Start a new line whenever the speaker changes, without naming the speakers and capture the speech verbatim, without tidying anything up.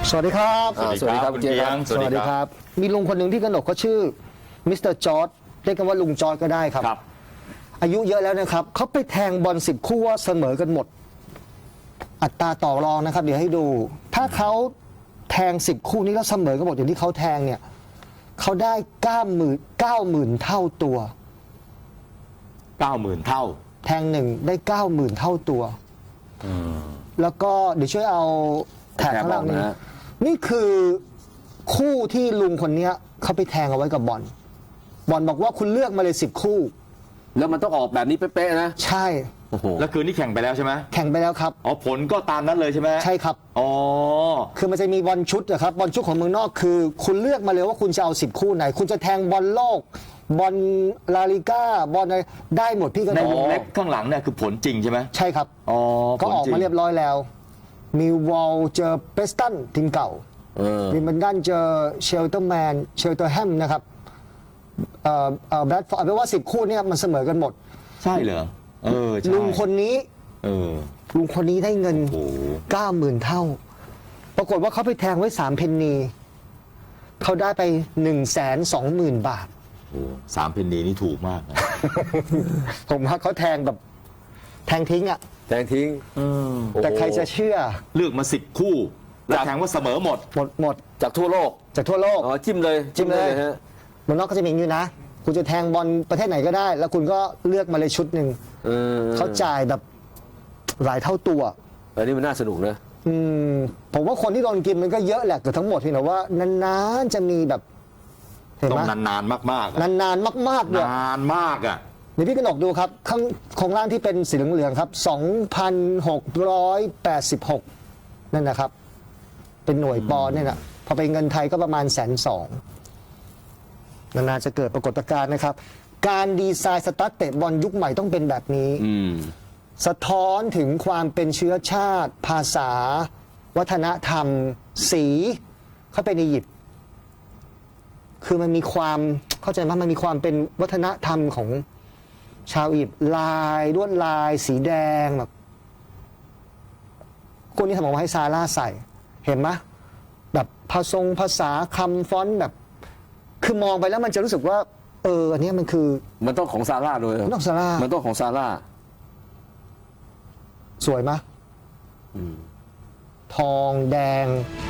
สวัสดีครับ
สวัสดีครับคุณเจียง
สวัสดีครับมีลุงคนหนึ่งที่กนกเขาชื่อมิสเตอร์จอร์จเรียกกันว่าลุงจอร์จก็ได้ครับ อายุเยอะแล้วนะครับเขาไปแทงบอลสิบคู่ว่าเสมอกันหมดอัตราต่อรองนะครับเดี๋ยวให้ดูถ้าเขาแทงสิบคู่นี้แล้วเสมอกันหมดอย่างที่เขาแทงเนี่ยเขาได้เก้าหมื่นเก้าหมื่นเท่าตัว
เก้าหมื่นเท่า
แทงหนึ่งได้เก้าหมื่นเท่าตัวแล้วก็เดี๋ยวช่วยเอาแถบข้างล่างนี้นี่คือคู่ที่ลุงคนนี้เขาไปแทงเอาไว้กับบอลบอลบอกว่าคุณเลือกมาเลยสิบคู่
แล้วมันต้องออกแบบนี้เป๊ะๆนะ
ใช่
โอ้โห
แล้วคืนนี้แข่งไปแล้วใช่ไหม
แข่งไปแล้วครับ
อ๋อผลก็ตามนั้นเลยใช่ไหม
ใช่ครับ
อ๋อ
คือมันจะมีบอลชุดนะครับบอลชุดของเมืองนอกคือคุณเลือกมาเลยว่าคุณจะเอาสิบคู่ไหนคุณจะแทงบอลโลกบอลลาลิก้าบอลอะไรได้หมดพี่ก็
ในวงเล็บข้างหลังเนี่ยคือผลจริงใช่ไหม
ใช่ครับ
อ๋อ
ก็ออกมาเรียบร้อยแล้วมิลวอลเจอเปสตันทีมเก่าวิมเบิลดันเจอเชลเตอร์แมนเชลเตอร์แฮมนะครับเอ่อเอ่อแบรดฟอร์ดแปลว่าสิบคู่เนี่ยมันเสมอกันหมด
ใช่เหรอเออใช่
ลุงคนนี้
เออ
ลุงคนนี้ได้เงินเก้าหมื่นเท่าปรากฏว่าเขาไปแทงไว้สามเพนนีเขาได้ไปหนึ่งแสนสองหมื่นบาท
โอ้สามเพนนีนี่ถูกมากนะ
ผมว่าเขาแทงแบบแทงทิ้งอ่ะ
แทงทิ้ง
แต่ใครจะเชื่อ
เลือกมาสิบคู่แล้วแทงว่าเสมอหมด
หมดหมด
จากทั่วโลก
จากทั่วโลก
อ๋อจิ้มเลย
จิ้มเลยฮะเมืองนอกก็จะมีอย่างนี้นะคุณจะแทงบอลประเทศไหนก็ได้แล้วคุณก็เลือกมาเลยชุดหนึ่งเขาจ่ายแบบหลายเท่าตัว
อันนี้มันน่าสนุกนะ
อืมผมว่าคนที่โดนกินมันก็เยอะแหละแต่ทั้งหมดที่นะว่านานๆจะมีแบบ
เห็นไหมต้องนานๆมาก
ๆนานๆมากๆเลย
นานมากอ่ะ
นี่พี่กนกดูครับข้างโครงล่างที่เป็นสีเหลืองๆครับ สองพันหกร้อยแปดสิบหก นั่นนะครับเป็นหน่วยปอนด์เนี่ยนะพอไปเงินไทยก็ประมาณแสนสองนานๆจะเกิดปรากฏการณ์นะครับการดีไซน์สตาร์ทเตะบอลยุคใหม่ต้องเป็นแบบนี้สะท้อนถึงความเป็นเชื้อชาติภาษาวัฒนธรรมสีเขาเป็นอียิปต์คือมันมีความเข้าใจว่ามันมีความเป็นวัฒนธรรมของชาวอียิปต์ลายลวดลายสีแดงแบบคนนี้ทำออกมาให้ซาร่าใส่เห็นไหมแบบภาษาภาษาคำฟอนต์แบบคือมองไปแล้วมันจะรู้สึกว่าเอออันนี้มันคือ
มันต้องของซาร่าด้วย
มันต้องซาร่า
มันต้องของซาร่า
สวยไหมทองแดง